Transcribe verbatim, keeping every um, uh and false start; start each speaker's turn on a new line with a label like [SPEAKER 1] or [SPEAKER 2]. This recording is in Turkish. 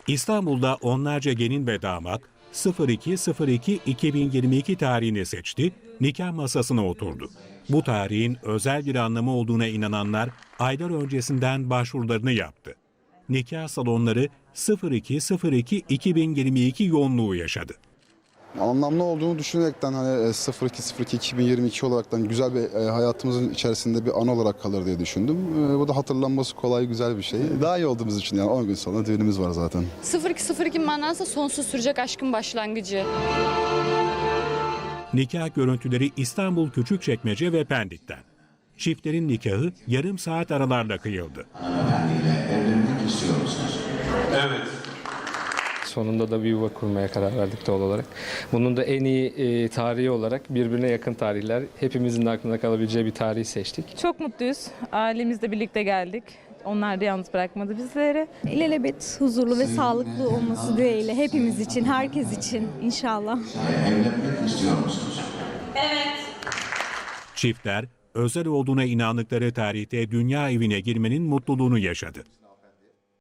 [SPEAKER 1] İstanbul'da onlarca gelin ve damat iki iki iki bin yirmi iki tarihini seçti, nikah masasına oturdu. Bu tarihin özel bir anlamı olduğuna inananlar aylar öncesinden başvurularını yaptı. Nikah salonları iki iki iki bin yirmi iki yoğunluğu yaşadı.
[SPEAKER 2] Anlamlı olduğunu düşünerekten hani iki iki iki bin yirmi iki olaraktan güzel bir hayatımızın içerisinde bir an olarak kalır diye düşündüm. Bu da hatırlanması kolay, güzel bir şey. Daha iyi olduğumuz için yani on gün sonra düğünümüz var zaten.
[SPEAKER 3] iki iki manası sonsuz sürecek aşkın başlangıcı.
[SPEAKER 1] Nikah görüntüleri İstanbul Küçükçekmece ve Pendik'ten. Çiftlerin nikahı yarım saat aralarla kıyıldı.
[SPEAKER 4] Hanımefendiyle evlenmek istiyor musunuz?
[SPEAKER 5] Evet.
[SPEAKER 6] Sonunda da bir yuva kurmaya karar verdik doğal olarak. Bunun da en iyi e, tarihi olarak birbirine yakın tarihler, hepimizin de aklına kalabileceği bir tarihi seçtik.
[SPEAKER 7] Çok mutluyuz. Ailemizle birlikte geldik. Onlar da yalnız bırakmadı bizleri.
[SPEAKER 8] İlelebet huzurlu ve sağlıklı olması dileğiyle hepimiz için, herkes için inşallah.
[SPEAKER 4] Evlenmek istiyor musunuz?
[SPEAKER 1] Çiftler özel olduğuna inandıkları tarihte dünya evine girmenin mutluluğunu yaşadı.